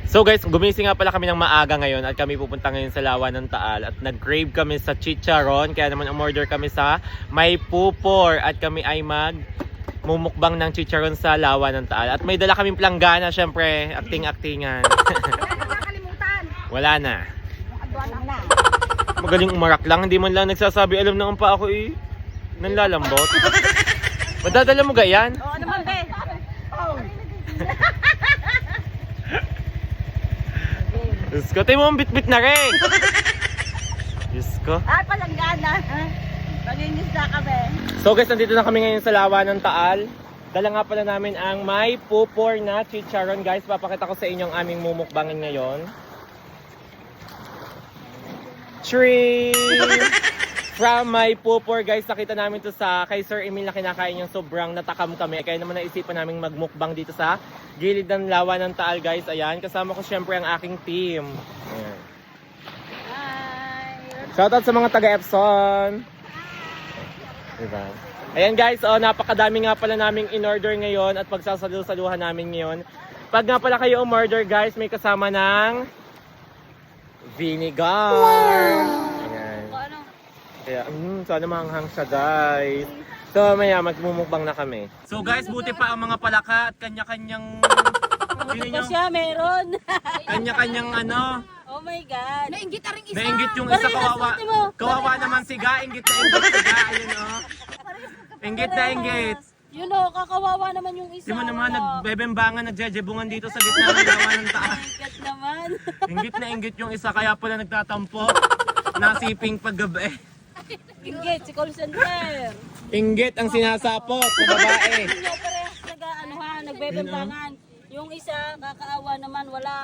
So guys, gumising nga pala kami ng maaga ngayon at kami pupunta ngayon sa Lawa ng Taal at nag-crave kami sa chicharon, kaya naman umorder kami sa May Pupor at kami ay mumukbang ng chicharon sa Lawa ng Taal at may dala kaming planggana, syempre, acting-actingan. Wala na nakalimutan. Wala na. Wala na. Magaling umarak lang, hindi man lang nagsasabi, alam na pa ako eh. Nanlalambot. Madadala mo gayan? Oo naman, be. Diyos ko, tayo mo ang bit-bit na rin. Diyos ko. Ay, palanggana. Pangingisda ka, be. So guys, nandito na kami ngayon sa Lawa ng Taal. Dala nga pala namin ang May Pupor na chicharon. Guys, papakita ko sa inyo ang aming mumukbangin ngayon. Tree! From May Pupor, guys, nakita namin to sa kay Sir Emil na kinakain yung sobrang natakam kami. Kaya naman naisipan namin magmukbang dito sa gilid ng Lawa ng Taal, guys. Ayan, kasama ko syempre ang aking team. Ayan. Hi. Shoutout sa mga taga-Epson. Diba? Ayan guys, napakadami nga pala naming in-order ngayon at pagsasalusaluhan namin ngayon. Pag nga pala kayo umorder guys, may kasama ng vinegar. Ayan. Kaya, sana mahanghang siya guys. So maya, magmumukbang na kami. So guys, buti pa ang mga palaka at kanya-kanyang... Ito siya, meron. Kanya-kanyang ano... Oh my God. Nainggit na rin isa. Nainggit yung isa, kawawa. Kawawa naman si Ga, inggit na inggit si Ga. Ayun o. Inggit na inggit. You know, kakawawa naman yung isa. Di mo naman nagbebembangan, nagjejebungan dito sa gitna ng Lawa ng Taal. Inggit naman. Inggit na inggit yung isa, kaya pala nagtatampo. Nasiping paggabi. Inggit, si call center. Inggit ang sinasapot sa babae. Hindi parehas nagbebembangan. Yung isa, kakaawa naman, wala.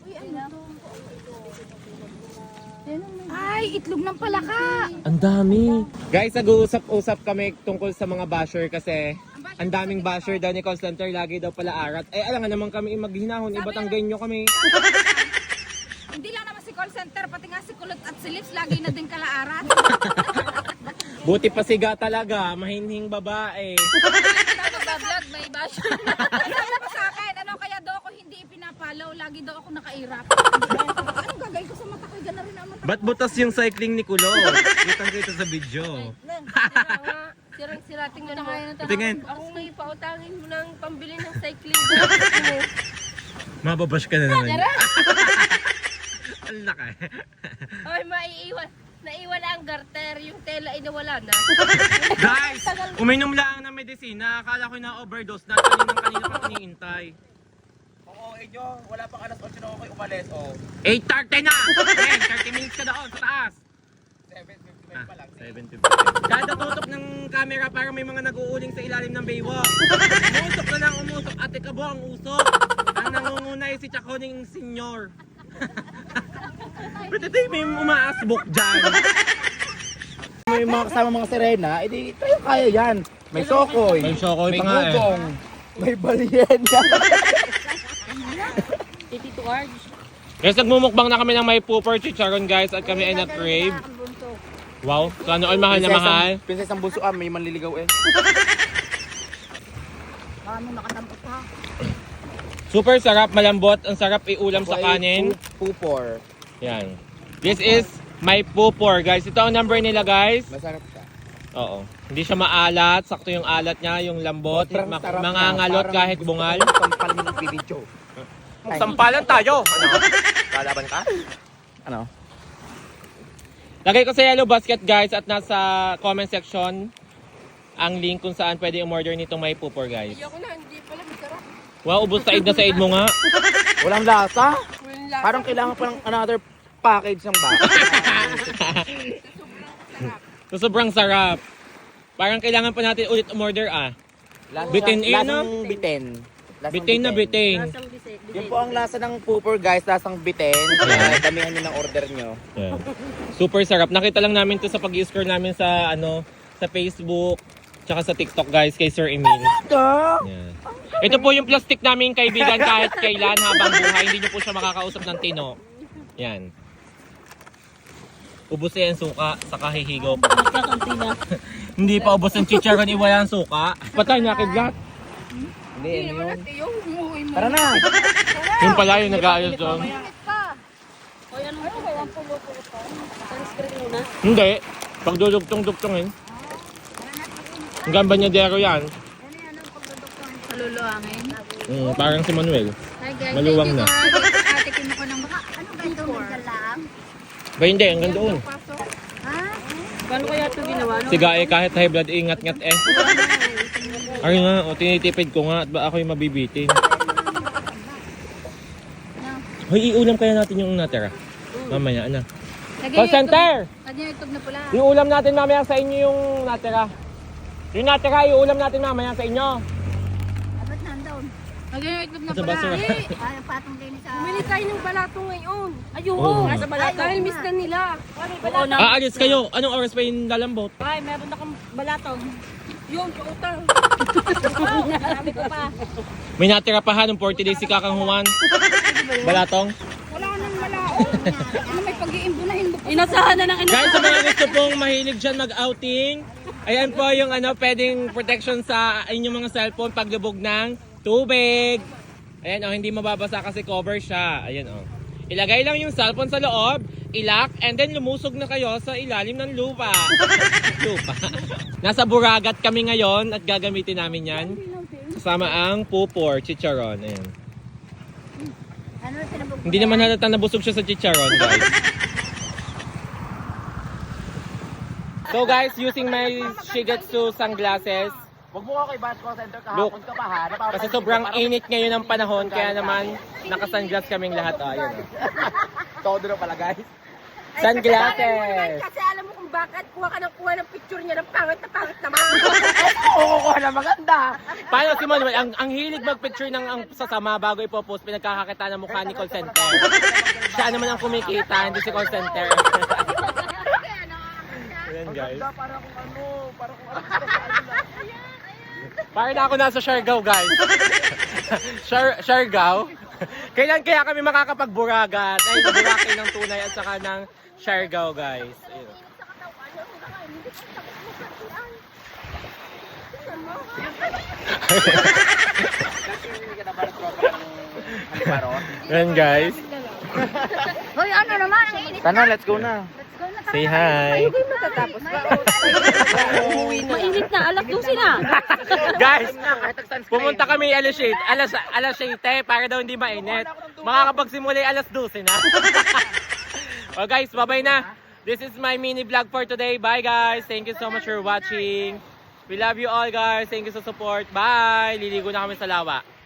Ay, itlog ng palaka. Ang dami. Guys, nag-uusap-usap kami tungkol sa mga basher kasi ang daming basher daw ni call center, lagi daw pala arat. Eh, alam nga naman kami maghinahon, ibatanggenyo kami. Hindi lang naman si call center, pati nga si Kulot at si Lips, lagi na din kalaarat. Buti pa siga talaga, mahinhing babae. Nagbablog, may basher. Sabi pa sa akin, ano kaya daw ako hindi ipinapalaw, lagi daw ako nakairap. Anong gagawin ko sa mata ko? Gana rin ang mata ko. Ba't butas yung cycling ni Kulo? Kitang-kita sa video. Sirang-sira, tingnan mo. Tingin. Ako may pautangin mo ng pambili ng cycling. Mababash ka na naman. Ang laki. Ay, maiiwan. Naiwan ang garter, yung tela inawala na. Guys, uminom lang ng medisina. Akala ko na-overdose na. Kanina pa iniintay. Oo, Edyo, wala pang alas 8 na ako kayo umalis, oh. 8:30 na! Men, 30 minutes ka doon sa taas. 7:55 pa lang. 7:50. Kada tutok ng camera parang may mga nag-uuling sa ilalim ng baywalk. Umusok na lang umusok. Ate Kabo ang usok. Ang nangungunay si Chakoning Senyor. Ba't ito may umaasbok dyan? May mga kasama mga sirena, edi tayo kaya yan. May sokoy, May sokoy may pa nga eh. gugong, may balyena. Tito Arj. Guys, nagmumukbang na kami ng May Pupor chicharon guys at kami ay na-crave. Wow, sana all mahal na mahal. Prinsesang bunso may manliligaw eh. Paano nakatampot ha? Super sarap, malambot. Ang sarap iulam sa kanin. Pupor. Yan. This is May Pupor guys. Ito ang number nila guys. Masarap siya. Oo. Hindi siya maalat. Sakto yung alat niya, yung lambot. Sobrang sarap Mga niya. ngalot Parang kahit gusto bungal. ko sampal mo ng video. Sampalan tayo. Ano? Kalaban ka? Ano? Lagay ko sa yellow basket guys at nasa comment section ang link kung saan pwede umorder nitong May Pupor guys. Ayoko na, hindi pala masarap. Wow, ubos said na said mo nga. Walang lasa. Wala. Parang kailangan pa ng another package ng bata. So, sobrang sarap. Parang kailangan pa natin ulit umorder ah. Bitin eh, no? Lasang bitin. Lasang Bitin na bitin. Lasang bisik. Yun po ang lasa ng pupor guys, lasang bitin. Yeah. Damihan nyo ng order nyo. Yeah. Super sarap. Nakita lang namin to sa pag-i-score namin sa sa Facebook tsaka sa TikTok guys kay Sir Emil. Yeah. Ito po yung plastic namin kaibigan kahit kailan habang buhay. Hindi nyo po siya makakausap ng tino. Yan. Ubus na yung suka sa kahihigop. Nagkakanti na. Hindi pa ubos ang chicharon, iwala ang suka. Patay na kidlat. Hindi, ano yun? Yung umuwi mo. Tara na! Tara! Yung pala yung nag-aayos doon. Hoy, anong pulo-pulo pa? Sunscreen muna. Hindi. Pag dudugtong-dugtongin. Hanggang banyadero yan. Maluluangin. Parang si Manuel. Hi guys, Maluwang na. thank you guys. Ate Kim ako ng baka. Ano ba ito? Ba hindi, hanggang doon. Paano kaya ito ginawa? No? Si Gae kahit high blood, ingat-ngat eh. Ay nga, tinitipid ko nga at ba ako'y mabibitin. Hoy, iulam kaya natin yung natira. Mamaya, ano? Call center! Lagyan yung itlog na pula. Yung ulam natin mamaya sa inyo yung natira. Yung natira, yung ulam natin mamaya sa inyo. Dapat nandoon. Lagyan yung itlog na Sa pula. basura. Ay, patong din sa... Bumili tayo ng balato ngayon. Ayun, Oo. nasa balato. Dahil miss na nila. Ano yung balato? Aalis kayo. Anong oras pa yung lalambot? Ay, meron na kang balato. Yun, pautang. Marami ko pa. May natira pa ha nung 40 days si Kakang Juan. Balatong. Wala nang malao. Ano may pag-iimbunahin mo? Inasahan na ng Guys, sa mga gusto pong mahilig dyan mag-outing, ayan po yung pwedeng protection sa inyong mga cellphone paglubog ng tubig. Ayan hindi mababasa kasi cover siya. Ayan Ilagay lang yung cellphone sa loob, ilock, and then lumusog na kayo sa ilalim ng lupa. Lupa. Nasa Buragat kami ngayon at gagamitin namin yan. Kasama ang pupor, chicharon. Ayan. Ano sinabog? Hindi naman halata nabusog siya sa chicharon, guys. So guys, using my Shigetsu sunglasses, Huwag mo ako i-bash call center Look. kahapon ka pa ha. Napapansin kasi ko, sobrang parang init ngayon ng panahon, kaya naman naka-sunglass kaming lahat. Ayun. todo na pala guys. Sunglasses! Kasi alam mo kung bakit kuha ka ng picture niya ng pangit naman. Oo, kuha na maganda. Paano si Manuel? Ang hilig mag-picture ng sasama bago ipopost, pinagkakakita ng mukha ni call center. Siya naman ang kumikita, hindi si call center. Ayan guys. Ganda, para kung ano. Parang na ako nasa Siargao, guys. Siargao? Kailan kaya kami makakapag-Buragat? Ay, Boracay ng tunay at saka ng Siargao, guys. Ayun. Yan, guys. Hoy, ano naman? Ang init. Sana, let's go na. Say hi. Matatapos ba? Mainit na, alas 12 na. Guys, pumunta kami alas 7 para daw hindi mainit. Makakapagsimula alas 12 na. Well guys, bye-bye na. This is my mini vlog for today. Bye guys. Thank you so much for watching. We love you all guys. Thank you sa support. Bye. Liligo na kami sa lawa.